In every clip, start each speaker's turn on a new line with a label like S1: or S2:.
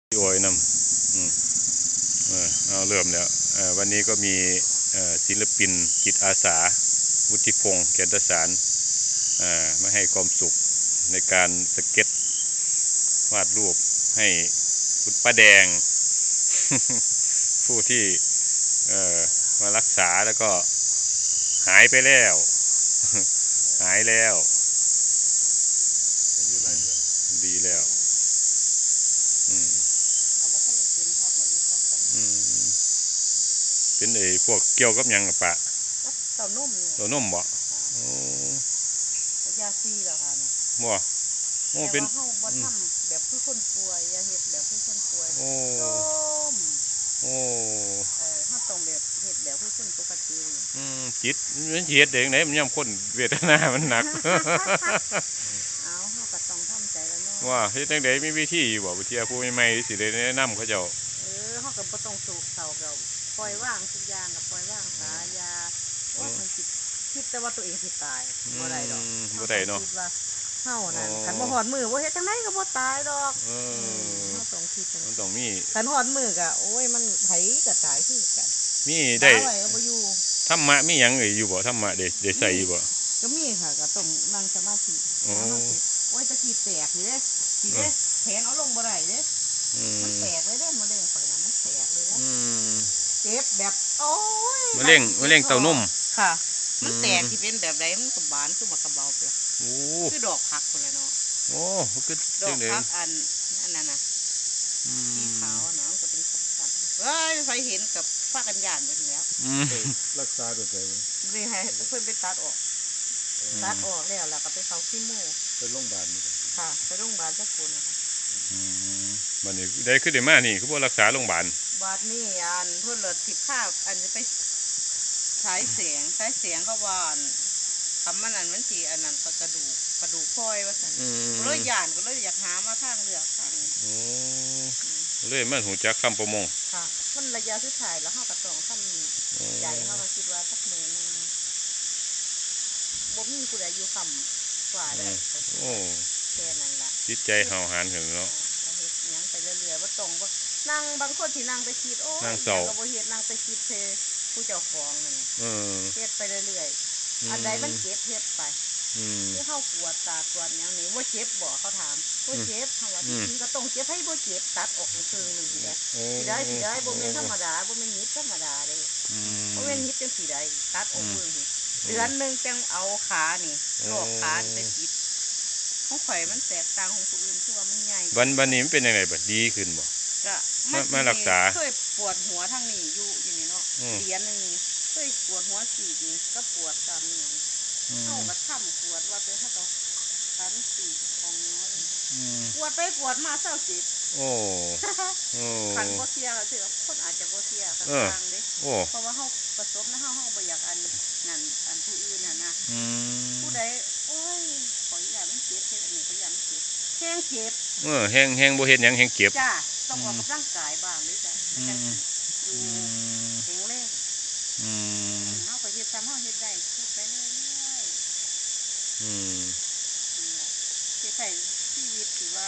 S1: พี่โอยนำเอาเริ่มแล้ววันนี้ก็มีศิลปินจิตอาสาวุฒิพงษ์แก่นตสารมาให้ความสุขในการสเก็ตวาดรูปให้คุณป้าแดง ผู้ที่มารักษาแล้วก็หายไปแล้ว หายแล้วดีแล้วอืมอืมเป็นพวกเกี่ยวกับยังกับปะ
S2: เต่านุ่มเนี่ย
S1: ตัวนมบ่โอ้
S2: ยาซีเหรอคะเนี่ย
S1: บ่โอ้
S2: แต่
S1: เป็น
S2: ว่าเขาบ่ทำแบบคือคนป่วยยาเห็ดแบบคือคนป่วย
S1: โอ้
S2: ส้ม
S1: โอ้
S2: เขาต้องแบบเห็ดแบบคือคนปกติ
S1: จิตมันเฮ็ดเองไหนมันย่ำคนเวทนามันหนัก
S2: เอาเขาก็ต้องทำใจแล้วเนาะ
S1: ว่าเฮ็ดจังได๋มีวิธีบ่วิธีผู้ใหม่ๆสิได้แนะนำเขาเจ้า
S2: เขาก็บ่ต้องสูบเสากับปล่อยว่างทุกอย่างกับปล่อยว่างสายาว่ามันคิดแต่ว่าตัวเองสิตายบ่ได้ดอก
S1: บ่ได้เนาะ
S2: คิดว่าเฮานั่นคันบ่ฮอดมือบ่เฮ็ดจังไดก็บ่ตายดอกเฮาต้องคิดจัง
S1: มันต้องมี
S2: คันฮอดมือกะโอ้ยมันไผก็ตายคือกัน
S1: มีได้
S2: ไว้ก็บ่อยู่
S1: ธรรมะมีหยังอยู่บ่ธรรมะได้ใส่อยู่บ่
S2: ก็มีค่ะก็ต้องนั่งสมาธิ
S1: โอ้
S2: โอ้ยตะกี้แตกสิเด้สิเด้แขนเอาลงบ่ได้เด้มันแตกเลยเด้มะเร็งข่อยน่ะมันแตกเลยเด้เจ็บแบบโอ้ย
S1: มะเร็งเต้านม
S2: ค่ะมันแตกสิเป็นแบบใดมันก็บานคือหมากระเบาพุ่นล่ะ
S1: โอ้
S2: คือดอกผักพุ่นล่ะเนาะ
S1: โอ้คือ
S2: ดอ
S1: จังได๋
S2: กผักอันนั้นน่ะสีขาวน่ะมันก็เป็นสันๆเฮ้ยไฟเห็นกับฟ้ากันย่านเบิดแล้ว
S3: รักษาตัวใจ
S2: นี่ให้เพิ่นไปตัดออกแล้วก็ไปเข้าคีโม
S3: ไปโรงพยาบาลนี่
S2: ค่ะไปโรงพยาบาลจักคนนะคะ
S1: บัดนี้ได้คือได้มานี่คือบ่รักษาโรงพยาบาล
S2: บาดนี้เพิ่นเลิศสิบภาพจะไปฉายแสงเขาว่าคำมันสิอันนั้นก็กระดูกพลอยว่าซั่นก็เลยย่านก็เลยอยากหามาทางเลือกทาง
S1: โอ้เลยมันหูจักคำประมง
S2: ค่ะมันระยะสุดท้ายแล้วเฮาก็ต้องทำใจเฮาก็คิดว่าสักมื้อนึงบ่มีผู้ใดอยู่คำว่าได้
S1: โอ้
S2: แค่นั้นล่ะ
S1: จิตใจเฮาหาญขึ้นเนาะ
S2: ก็เฮ็ดหยังไปเรื่อยๆบ่ต้องว่านั่งบางคนที่นั่งไปคิดโอ้ยก็บ่เฮ็ดนั่งไปคิดเทผู้เจ้าของนั่นเฮ็ดไปเรื่อยๆอันใดมันเจ็บเฮ็ดไปคือเฮากวดตากวดแนวนี้บ่เจ็บบ่เขาถามบ่เจ็บเฮาว่าจริงๆก็ต้องเจ็บให้บ่เจ็บตัดออกครึ่งนึงสิได้บ่แม่นธรรมดาบ่แม่นนิดธรรมดาเด้บ่แม่นนิดจังสิได้ตัดออกครึ่งสิเดือนนึงจังเอาขานี่ลอกขานี่ไปติดของข่อยมันแตกต่างของผู้อื่นคือว่ามันใหญ่
S1: วันนี้มันเป็นยังไงบัดดีขึ้นบ่
S2: ก็
S1: มารักษา
S2: เคยปวดหัวทางนี้อยู่นี่เนาะเดือนนึงนี่เคยปวดหัวสีกนี่ก็ปวดตามนี่เฮาก็ทำปวดว่าไปเฮาก็คันสีของน้อยปวดไปปวดมาเศร้าจิต
S1: โอ้
S2: คันบ่เสียก็คือคนอาจจะบ่เสียก็ทางเด้เพราะว่าเฮาประสบนะเฮาบ่อยากนั่นผู้อื่นน่ะนะผู้ใดโอ้ยขออย่ามันเจ็บเฮ็ดอันนี้ขออย่ามันเจ็บแห้งเจ็บ
S1: แห้งบ่เฮ็ดหยังแห้งเก็บ
S2: จ้าต้องออกกำลังกายบ้างด้วยจ้ะมันจะอยู่แข็งแรงเฮาก็เฮ็ดซ้ำเฮาเฮ็ดได้พูดไปเรื่อยเฮ็ดให้ชีวิตถือว่า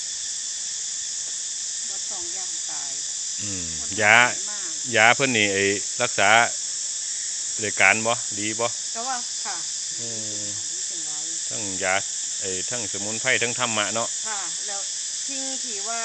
S2: บ่ต้องย่างตาย
S1: ยาเพิ่นนี่รักษาด้วยการบ่ดีบ่
S2: ก็ว่าค่ะ
S1: ทั้งยาทั้งสมุนไพรทั้งธรรมะเนาะ
S2: ค่ะแล้วทิ้งที่ว่า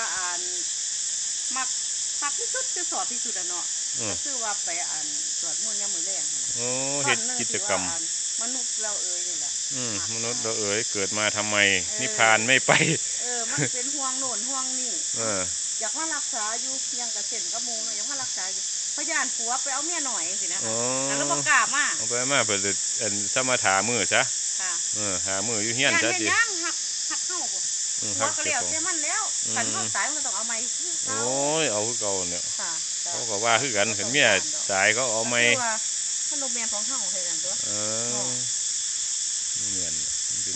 S2: มักที่สุดคือสอบที่สุดเนาะก็คือว่าไปสวดมนต์ยามมื้อแลงหั่นน่ะ
S1: เฮ็ดกิจกรรม
S2: มนุษย์เรานี่แหละ
S1: มนุษย์เราเกิดมาทำไมนิพพานไม่ไป
S2: มันเป็นห่วงโน่นห่วงนี่อยากมารักษาอยู่ยังกระเซ็นกระมูเนาะอยากมารักษาอยู่พยานผัวไปเอาเมียหน่อยสินะคะแล้วบ่กล้ามา
S1: เอาไปมาเปิดสมถามือซะหามืออยู่เฮียนซะ
S2: สิยังหักเฮาบ่หัวก็แล้วแต่มันแล้วคันเฮาตายมันก็ต้องเอาใหม่คือเก่า
S1: โอ้ยเอาคือเก่าเนี่ยเขาก็ว่าคือกันคันเมียตายเขาเอาใหม่
S2: มันโรงแรมของเฮาเฮ็ดนั่นตัว
S1: เหมือนเป็น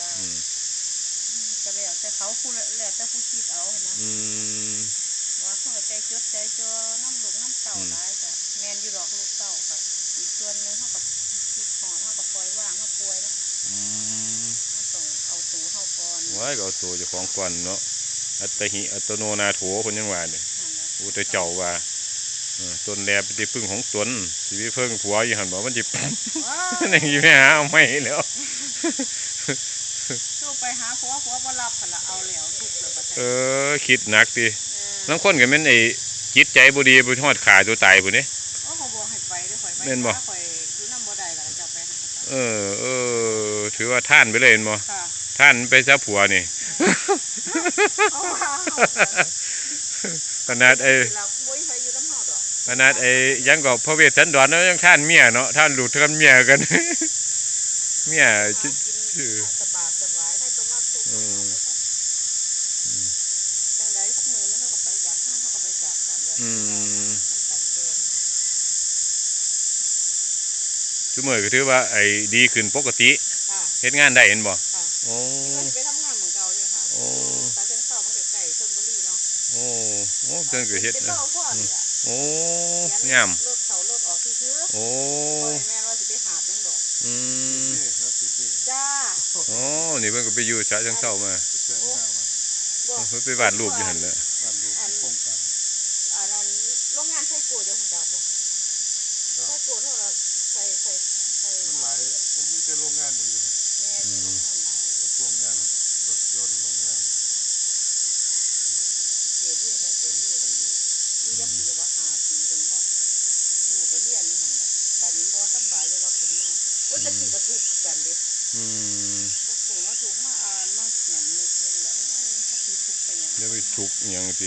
S2: ก็แล้วแต่เขาพูดแล้วแต่ผู้คิดเอานะว่าเขาใจจดใจจ่อน้ำลูกน้ำเต่าหลายก็แม่นอยู่ดอกลูกเต่าก็อีกส่วนนึงเฮาก็คิดฮอดเฮาก็ปล่อยว่างเฮาป่วยแล้วต้องเอาตัวเฮาก่อน
S1: ไว้ก็เอาตัวเจ้าของก่อนเนาะอัตหิอัตโนนาโถคนยังว่าเนี่ย
S2: นั่นแหละ
S1: อุตเจ้าว่าตนแลเป็นที่พึ่งของตนสิไปเพิ่งผัวอยู่หันบอกมันจิ
S2: ว้า
S1: นั่งอยู่ไม่หาเอาไม่แล้ว
S2: สู้ไปหาผัวบ่รับหั่นล่ะเอาแล้วทุกข์แล้วบัดนี้
S1: คิดหนักดิ
S2: เออ
S1: น้ำข้นกับแม่นไอ้จิตใจบ่ดีบ่ทอดขาตัวตายพุ่นนี่
S2: โอ้เขาบอกให้ไปเด้อข่อยไป
S1: แม่นบ่
S2: หาข่อยอยู่นำบ่ได้แล้วก็จะไปหาเขา
S1: ถือว่าท่านไปเลยเห็นบ่
S2: ค่ะ
S1: ท่านไปซะผัวนี่
S2: เอาว่า
S1: ขนาดไอ้
S2: เราบ่มีไผอยู่นำเฮาดอก
S1: ขนาดไอ้ยังก็พระเวสสันดรแล้วยังท่านเมียเนาะท่านลูกท่านเมียกัน เมีย
S2: หา
S1: จิ
S2: กินสบายสบายให้ตัวมาทุกข์มาหาไปซะจังใดสักมื้อนึงเขาก็ไปจากเฮาเขาก็ไปจากกันแล้วกันเกิน
S1: ทุกมื้อก็ถือว่าไอ้ดีขึ้นปกติ
S2: ค่ะ
S1: เฮ็ดงานได้เห็นบ่
S2: ค่ะ
S1: โอ้
S2: ที่ว่าสิไปทำงานเหมือนเก่าเลยค่ะ
S1: โอ้
S2: ตาเส้นเศร้ามันใกล้ๆชลบุรีเนาะ
S1: โอ้เพิ่นก็เฮ็ด
S2: เป็น
S1: นะ
S2: รอพ่อนี่ล่ะ
S1: โอ้
S2: เขีน
S1: งาม
S2: รถเขารถออกซื่อ
S1: โอ้
S2: ๆบ่ได้แม่นว่าสิไปหาจังดอก
S1: อืม
S3: นี่ครับสิบนี่
S2: จ้า
S1: โอ้นี่เพิ่นก็ไปอยู่ฉะเชิงเทรามา
S3: ไปเชิญหน้ามา
S2: บอก
S1: เพิ่นไปวาดรูปอยู่หั่นแหละ
S3: บ้านดูโครงการ
S2: อันนั้นโรงงานไส้โกดเดี๋ยวผมจะบอก
S3: ครับ
S2: ไส้โกดเท่าไหร่ใส่
S3: มันหลายมันมีแต่โรงงานอยู่
S2: แม่มีโรงงานหลาย
S3: โรงงานรถยนต์โรงงาน
S2: เกียรตินี่แท้เกียรตินี่ใครอยู่นี่ยักปีว่า5 ปีคนบ่ลูกก็เรียนนี่หั่นแหละบัดนี้บ่สำบายจะว่าขึ้นมาโอ้ยแต่กี้ก็ทุกข์กันเด้
S1: อืม
S2: ก็สูงมาถูกมาอ่านมาเขียนนึกเรื่องแล้วเอ้ยถ้าคือทุกข์ไปหยัง
S1: อย่าไปทุกข์อิหยังติ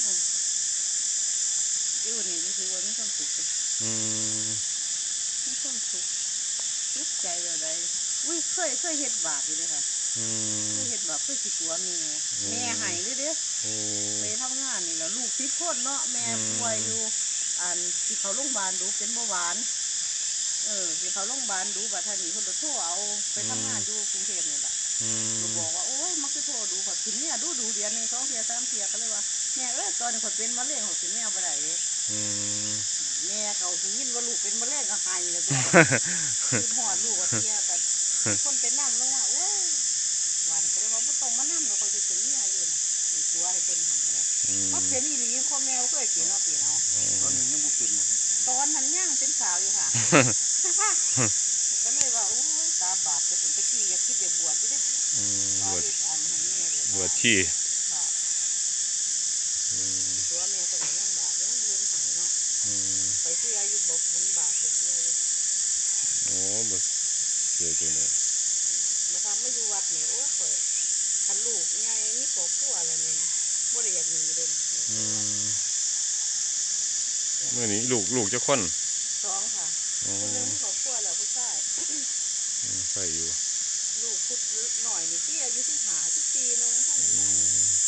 S2: อยู่นี่ก็คือว่ามีความสุขเลย
S1: อืม
S2: มีความสุขทุกข์ใจแบบใดอุ้ยเคยเฮ็ดบาปอยู่เด้อค่ะ
S1: อืม
S2: เคยเฮ็ดบาปเคยสิตัวแม่ให้เลยเด้อ
S1: โอ้
S2: ไปทำงานนี่แหล้วลูก10 คนเนาะแม่ป่วยอยู่อันสิเข้าโรงพยาบาลดูเป็นเบาหวานสิเข้าโรงพยาบาลดูบัดท่านี้เพิ่นก็โทรเอาไปทำงานอยู่กรุงเทพนี่ล่ะ
S1: อืม
S2: ก็บอกว่าโอ้ยมันคือโทรดูขอกินเนี่ยดูเดือนหนึง2 เที่ย3 เที่ยก็เลยว่าแม่ตอนนี้ขอยเป็นมะเร็งขอยกินแม่บ่ได้เด้
S1: อืม
S2: แม่เขาสิยินว่าลูกเป็นมะเร็งก็หายแล้วตัวคิดฮอดลูกว่าเที่ยก็คนเป็นน้ำลงว่าโอ้ยวันก็เลยว่าบ่ต้องมานำแล้วขอยสิเป็นเมียอยู่น่ะอีตัวให้เพิ่นหันเลย
S1: อืม
S2: มันเป็นอีหลีพ่อแม่เคยกินเนาะพี่เนาะ
S3: ตอนนี้ยังบ่เป็นหมด
S2: ตอนนั้นยังเป็นสาวอยู่ค่ะ ก็เลยว่าโอ้ยตาบาปแต่ผมตะกี้อยากคิดอยากบวชอยู่เด้
S1: อืม
S2: ว่า
S1: บวช
S2: เฮ็ดอันให้แม่เลย
S1: บวชชี
S2: บาป
S1: อืม
S2: ตัวแม่ก็ได้ยังบาปยังเรียนหายเนาะ
S1: อืม
S2: ไปเชื่ออยู่บอกบุญบาปไปเชื่ออยู่
S1: โอ้บ่เสียจังได๋
S2: มาทำไม่อยู่วัดนี่โอ้ยข่อยคันลูกใหญ่มีครอบครัวแล้วนี่บ่ได้อยากหนีเลย
S1: อืมมื้อนี้ลูกจักคน
S2: สองค่ะ
S1: โอ้
S2: คนหนึงมีครอบครัวแล้วผู้ชาย
S1: ใส่อยู่
S2: ลูกพุดหน่อยนี่ที่อายุ15 14นึงเท่านั้น
S1: อื
S2: ไง
S1: ม